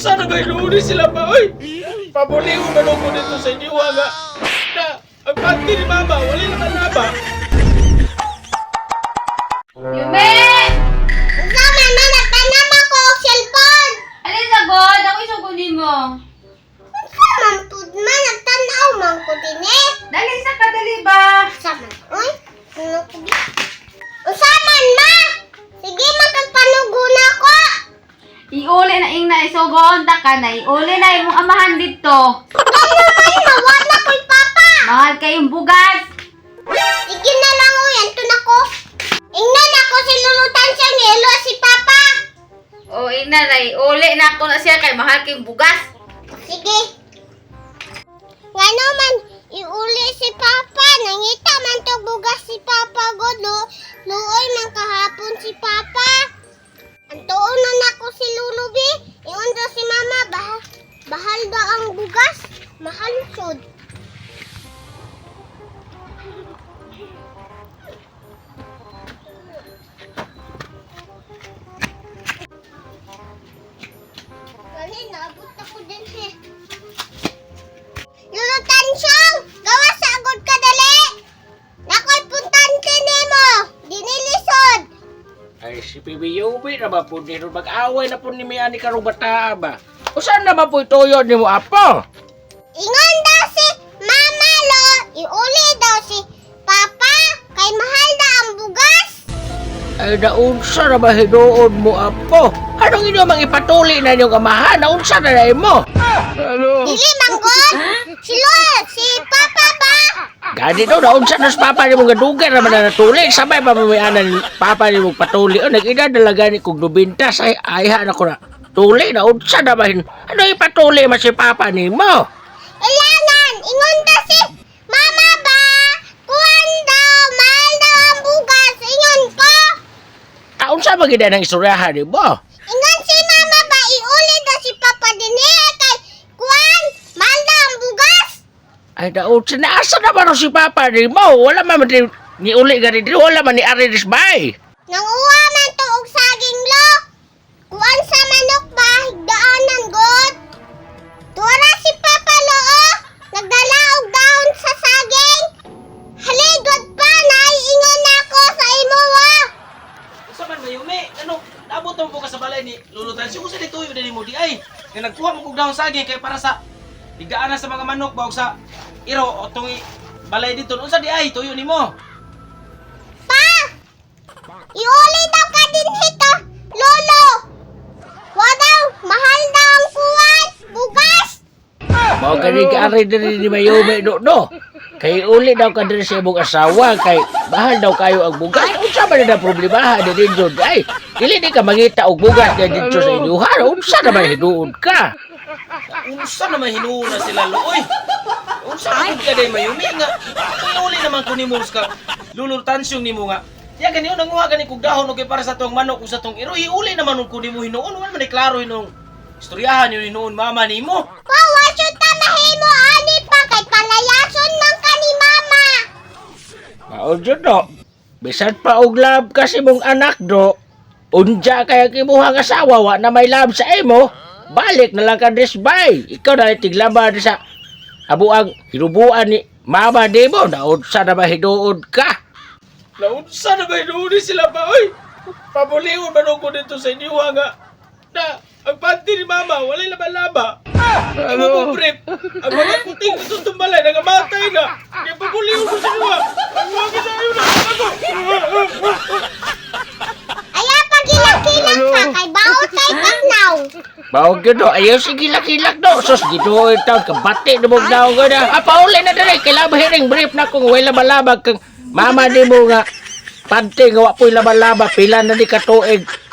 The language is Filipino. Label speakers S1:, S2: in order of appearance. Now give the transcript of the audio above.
S1: Unsa na ba inuuli sila pa, oy? Pabuliw man ako dito sa inyo, nga. Na, ang panty ni Mama, wala naman laba.
S2: Yume!
S3: Sama na, nagtanam ako og cellphone.
S2: Alin sa god? Ako isugunin mo.
S3: Sama tud man, nagtanaw man ko din eh.
S2: Dali sa kadali ba?
S3: Sama, uy. Ano ko di? Usaman ma! Sige, magkagpanuguna ko.
S2: Iuli na ing na isugon ta ka na. Iuli na imong amahan dito.
S3: Ano man, nawala ko'y papa.
S2: Mahal kayong bugas.
S3: Sige na lang, uy. Antun ako. Ingnan ako si lulutan siya ni Elo si papa.
S2: O ina na iuli na ako na siya kay mahal kayong bugas.
S3: Sige. Nga naman, iuli si Papa. Nangita man to bugas si Papa God. Luoy man kahapon si Papa. Antuon na ako si Lulubi. Iyon daw si Mama. Bahal daw ang bugas. Mahal sud. Gali, naabot ako din he. Lulutan siyang! Gawa sa agod ka dali! Nako'y puntan mo! Dinilisod!
S1: Ay, si Pibiyobi na ba po nito mag-away na po ni Miani karong bata ba? O saan naman po ituyo ni mo, Apo?
S3: Ingon daw si Mama Lo! Iuli daw si Papa! Kay mahal na ang bugas!
S1: Ay, naunsa na ba hinuon mo, Apo? Anong inyo mang ipatuli na inyong amahan? Naunsa na na mo?
S3: Dili manggod! Si Lo! Si Papa ba?
S1: Gani daw, naunsa na sa papa ni mong gadugan naman na natuli. Sabay pa mamayanan ni papa ni mong patuli. O, nag-ina dalaga ni kong dubintas. Ay, ayahan ako na. Tuli, naunsa na ba? Ano ipatuli man si papa ni mo?
S3: Ilangan! Ingon daw si Mama ba? Kuwan daw! Mahal daw ang bugas! Ingon ko!
S1: Naunsa ba gina ng istoryahan ni mo?
S3: Ingon si Mama ba? Iuli daw si Papa din eh! Kay kuwan! Mahal daw ang bugas!
S1: Ay, naunsa na. Asa naman si papa ni mo? Wala man ni uli gani dito. Wala man ni Aridis Bay.
S3: Nanguha man to og saging lo! Kuwan sa manok ba? Higdaanan god! Tura si Papa lo oh! Nagdala og dahon sa saging! Haligod pa! Naiingon na ako sa imo wa!
S4: Sa man ba Yume? Ano? Naabot mo po ka sa balay ni Lulutan. Siya sa dito yung mo di ay. Nga nagkuha mo kong dahon saging kay para sa higdaanan sa mga manok ba o sa iro o itong balay dito. Unsa di ay? Tuyo ni mo.
S3: Pa! Iuli daw ka din hito! Lolo! Wa daw! Mahal daw ang kuwan! Bugas!
S1: Mao gani ka Aridis ni Mayome no. Kay uli daw ka diri sa imong asawa. Kay bahal daw kayo ang bugas. Unsa man na problema di din ay. Dili di ka mangita og bugas dito sa inyo. Unsa na ba hinuon ka?
S4: Unsa naman hinuuna sila Looy? Unsa man ka day Mayumi nga? Uli naman ko ni mo ka Lulutan ni mo nga. Ya gani nanguha gani kog dahon og para sa tong manok o sa tong iro. Iuli naman ko ni mo hinuon. Wala man klaro hinung istoryahan yun hinuon mama ni mo.
S3: Wawa siya ta mahimo ani pa kay palayason man ka ni Mama!
S1: Mao jud no. Bisan pa og love kasi mong anak do. Unja kaya kimuha nga asawa wa na may love sa imo. Balik na lang ka Bay. Ikaw na tiglaba sa abuang hinubuan ni Mama di mo. Naunsa na ba hinuon ka?
S4: Naunsa na ba hinuon sila pa oy? Pabuliw man ako dito sa inyo nga. Na ang panty ni Mama wala laban laba. Imo mo brief. Ang mga puting ito tumbalay nangamatay na. Kaya pabuliw ko sa inyo. Ang mga gisayo na ako.
S3: Aya pa gilang-gilang ka kay baot kay pagnaw!
S1: Mao gyud do. Ayaw sige kilak do. Sus gito itaw kabati na mong daw ko na. Pauli na dali. Kailangan hiring brief na kung wala labalabag kang Mama di mo nga. Pante nga wa po'y laban-laba. Pila na di katuig.